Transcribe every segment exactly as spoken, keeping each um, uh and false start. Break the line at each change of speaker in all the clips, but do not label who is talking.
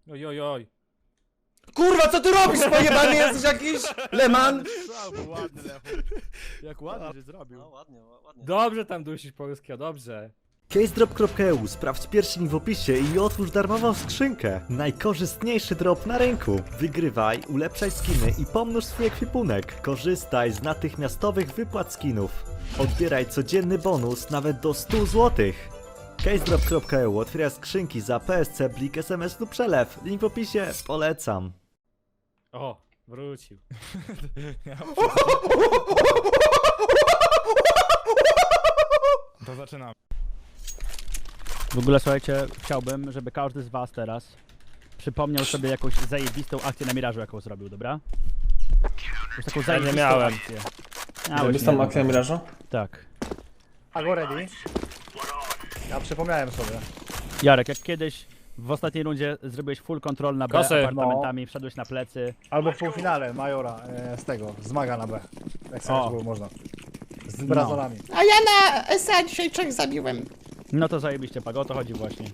Oj, oj, oj.
Kurwa, co ty robisz? Pojebany jesteś jakiś? Leman?
Ładny Lechu. Jak ładnie się zrobił.
No ładnie, ładnie.
Dobrze tam dusisz polskiego, dobrze.
CaseDrop kropka e u. Sprawdź pierwszy link w opisie i otwórz darmową skrzynkę. Najkorzystniejszy drop na rynku. Wygrywaj, ulepszaj skiny i pomnóż swój ekwipunek. Korzystaj z natychmiastowych wypłat skinów. Odbieraj codzienny bonus nawet do stu złotych. CaseDrop kropka e u. Otwiera skrzynki za P S C, Blik, S M S lub przelew. Link w opisie. Polecam.
O, wrócił.
To zaczynamy.
W ogóle słuchajcie, chciałbym, żeby każdy z was teraz przypomniał sobie jakąś zajebistą akcję na Mirażu, jaką zrobił, dobra? Już taką zajebistą
miałem.
akcję.
Zajebistą akcję Mirażu?
Tak.
A go ready? Ja przypomniałem sobie.
Jarek, jak kiedyś w ostatniej rundzie zrobiłeś full control na B
Kosy.
apartamentami, wszedłeś na plecy.
Albo w półfinale Majora e, z tego, z Maga na B. Jak sobie
O.
było można. Z Brazolami.
A ja na S A dzisiaj trzech zabiłem.
No to zajebiście, Pago, o to chodzi właśnie.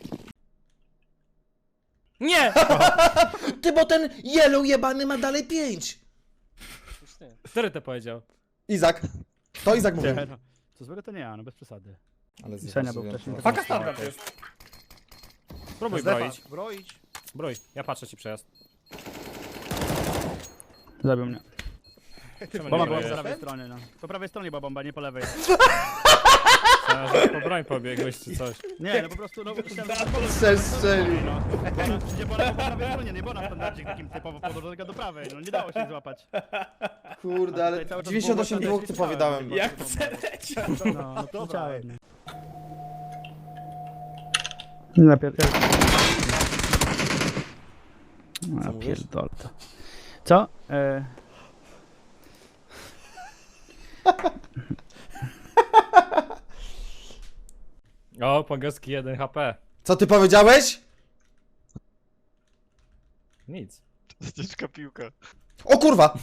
Nie!
Ty, bo ten yellow jebany ma dalej pięć.
Już nie.
Który to powiedział?
Izak. To Izak mówił.
Nie, no, co złego to nie ja, no bez przesady.
Ale
Senia był wcześniej.
Faka standard jest.
Spróbuj
Zdefa.
broić.
Broić.
Broń, ja patrzę ci przejazd.
Zabił mnie.
Czemu
Bomba
nie
była po
brojesz?
prawej stronie, no. Po prawej stronie była bomba, nie po lewej.
Myślałem, że po broń pobiegłeś czy coś.
Nie, no po prostu, no, myślałem, że po
Strzel, strzelił.
no. Nie była po prawej stronie, nie była na standardzie takim typowo podłożonego do prawej, no nie dało się złapać.
Kurde, ale
Tutaj cały czas
dziewięćdziesiąt osiem
było
dwóch typowi dałem.
Jak No, no to widziałem. Napier... A pierdol to. Co? E...
O, pogowski jeden H P.
Co ty powiedziałeś?
Nic.
Ciężka piłka.
O kurwa!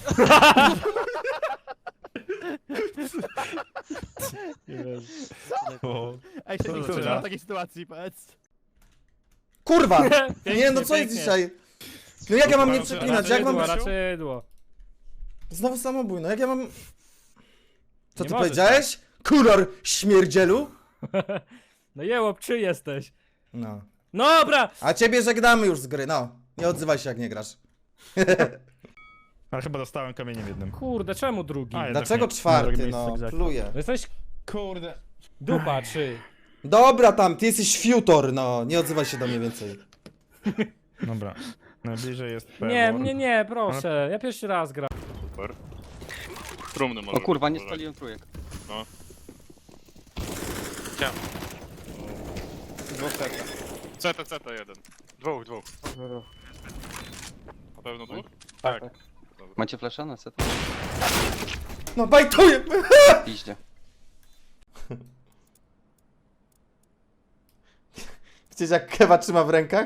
Ej, się nie
zaczyna?
w takiej sytuacji, powiedz.
Kurwa!
Pięknie,
Nie no, co jest
pięknie.
dzisiaj? No jak ja mam nie przeklinać? Jak mam...
Raczydło, raczydło.
Znowu samobój, no jak ja mam... Co
Nie
ty
możesz
powiedziałeś? Kuror śmierdzielu?
No jełop, czy jesteś?
No.
Dobra!
A ciebie żegnamy już z gry, no. Nie odzywaj się jak nie grasz.
Ale chyba dostałem kamieniem jednym.
Kurde, czemu drugi?
A, jednak
Dlaczego
nie.
czwarty,
Drugie
no?
miejsce,
Pluję.
No jesteś
Kurde.
dupa, czy?
Dobra tam, ty jesteś fiutor, no. Nie odzywaj się do mnie więcej.
Dobra. Najbliżej jest P.
Nie, nie, nie, proszę. Ja pierwszy raz gram.
Super. Trumny może
O kurwa, nie
być,
spaliłem trójek.
No. Chciałem.
Dwóch serca.
C T, C T jeden. Dwóch, dwóch. Na pewno dwóch? Tak.
Macie flasha na set?
No bajtuję!
Piździe.
Widzisz jak Kewa trzyma w rękach?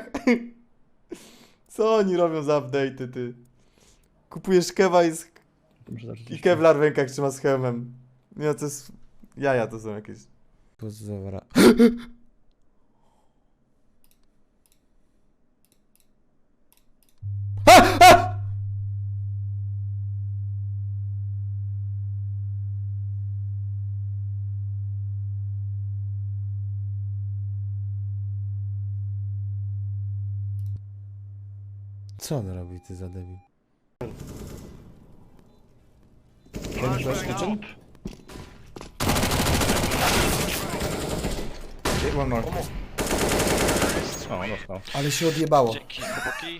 Co oni robią za update'y, ty? Kupujesz Kewa i, z... i Kevlar w rękach trzyma z hełmem. Nie, to jest... Jaja to są jakieś. Pozora. Co on robi, ty za debil?
One more.
O, dostał.
Ale się odjebało.
Dzięki, chłopaki.